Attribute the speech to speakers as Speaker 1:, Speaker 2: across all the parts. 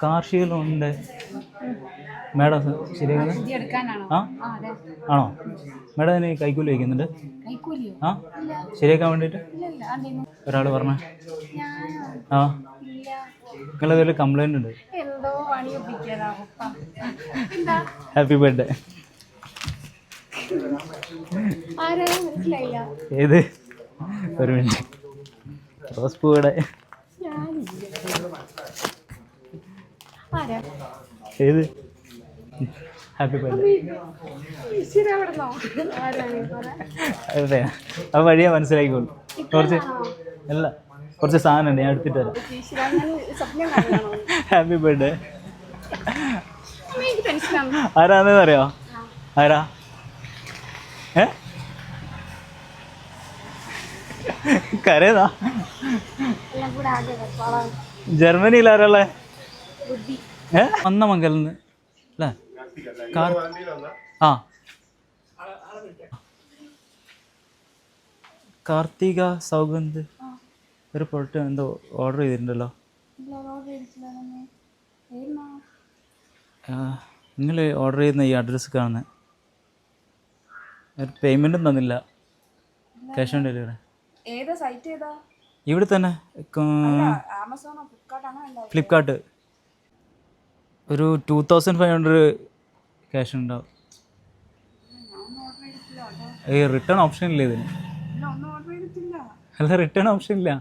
Speaker 1: കാർഷിക ലോണിൻ്റെ മേഡം ശരിയാക്കുന്നത് ആ ആണോ മേഡം അതിന് കൈക്കൂലി വയ്ക്കുന്നുണ്ട് ആ ശരിയാക്കാൻ വേണ്ടിയിട്ട് ഒരാൾ പറഞ്ഞ ആ നിങ്ങളതൊരു കംപ്ലൈൻ്റ് ഉണ്ട്. Happy birthday. ഏത് ഒരു മിനിറ്റ് റോസ് പൂവിടെ ഏത് ഹാപ്പി ബർത്ത്ഡേ അതെ ആ വഴിയാ മനസ്സിലാക്കിക്കോളൂ. കുറച്ച് അല്ല കുറച്ച് സാധനം ഉണ്ട് ഞാൻ എടുത്തിട്ട് തരാം. Happy birthday. ആരാന്ന് അറിയോ? ആരാ കരയതാ ജർമ്മനിയിൽ ആരാളെ വന്ന മംഗലിന്ന് അല്ലേ? ആ കാർത്തിക സൗഗന്ധ് ഒരു പ്രൊഡക്റ്റ് എന്തോ ഓർഡർ ചെയ്തിട്ടുണ്ടല്ലോ. നിങ്ങൾ ഓർഡർ ചെയ്യുന്ന ഈ അഡ്രസ്സ് കാണുന്നത് പേയ്മെൻറ്റും തന്നില്ല. ക്യാഷ് ഓൺ ഡെലിവറി ഇവിടെ തന്നെ ഫ്ലിപ്കാർട്ട് ഒരു 2500 ക്യാഷ് ഉണ്ടാവും. റിട്ടേൺ ഓപ്ഷൻ ഇല്ല ഇതിന്. അല്ല റിട്ടേൺ ഓപ്ഷൻ ഇല്ല.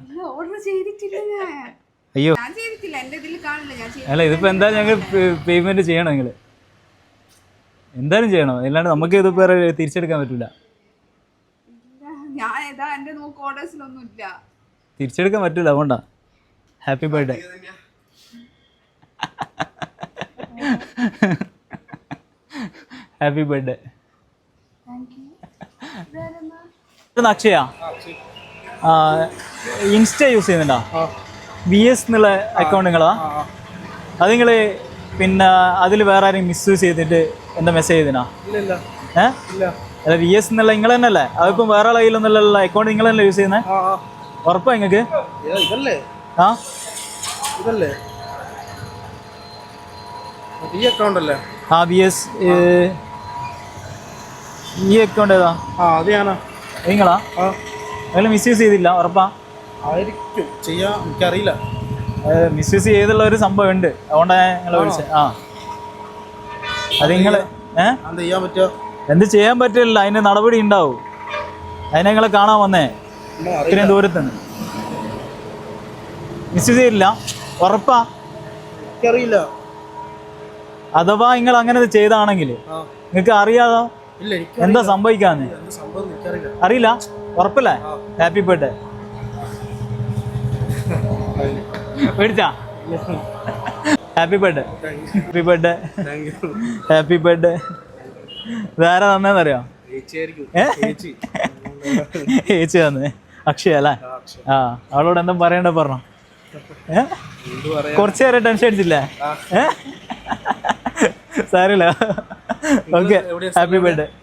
Speaker 1: അയ്യോ അല്ല ഇതിപ്പോൾ എന്തായാലും ഞങ്ങൾ പേയ്മെൻറ്റ് ചെയ്യണം. നിങ്ങൾ എന്തായാലും ചെയ്യണം, അല്ലാണ്ട് നമുക്ക് ഇത് വേറെ തിരിച്ചെടുക്കാൻ പറ്റില്ല. തിരിച്ചെടുക്കാൻ പറ്റില്ല, അതുകൊണ്ടാ. Happy birthday. Happy birthday. Akshaya insta use ചെയ്യുന്നുണ്ടോ? VS എന്നുള്ള അക്കൗണ്ട് നിങ്ങളാ? അത് നിങ്ങൾ പിന്നെ അതിൽ വേറെ ആരെയും മിസ്യൂസ് ചെയ്തിട്ട് എന്താ മെസ്സേജ് ചെയ്തിനാ? അല്ല VS എന്നുള്ള നിങ്ങൾ തന്നെ അല്ലേ? അതിപ്പം വേറെ ആളെ കയ്യിലൊന്നുള്ള അക്കൗണ്ട് നിങ്ങൾ തന്നെ യൂസ് ചെയ്യുന്നത്? ഉറപ്പാ നിങ്ങൾക്ക്? ആ ആ VS ഈ അക്കൗണ്ട് ഏതാ? നിങ്ങളാ? നിങ്ങൾ മിസ്യൂസ് ചെയ്തില്ല? ഉറപ്പാ?
Speaker 2: എനിക്കറിയില്ല.
Speaker 1: മിസ്യൂസ് ചെയ്തുള്ള ഒരു സംഭവം ഉണ്ട്, അതുകൊണ്ടാണ് നിങ്ങളെ വിളിച്ചത്. ആ അത് നിങ്ങൾ എന്ത് ചെയ്യാൻ പറ്റില്ല, അതിന് നടപടി ഉണ്ടാവും. അതിനെ നിങ്ങളെ കാണാൻ വന്നേ ഇത്രയും ദൂരത്തുനിന്ന്. മിസ്യൂസ് ചെയ്തില്ല? ഉറപ്പാ?
Speaker 2: എനിക്കറിയില്ല.
Speaker 1: അഥവാ നിങ്ങൾ അങ്ങനെ ചെയ്താണെങ്കിൽ നിങ്ങൾക്ക് അറിയാതോ എന്താ സംഭവിക്കാന്ന്? അറിയില്ല? ഉറപ്പല്ലേ? Happy birthday. മേടിച്ചാ? Happy birthday. Happy birthday. Happy birthday. ഇതാരാ തന്നേന്നറിയോ? ചേച്ചി തന്നേ. അക്ഷയ അല്ലേ? ആ അവളോട് എന്താ പറയണ്ട പറഞ്ഞോ? കുറച്ചു നേരം ടെൻഷൻ അടിച്ചില്ലേ? സാരില്ല. Okay happy birthday.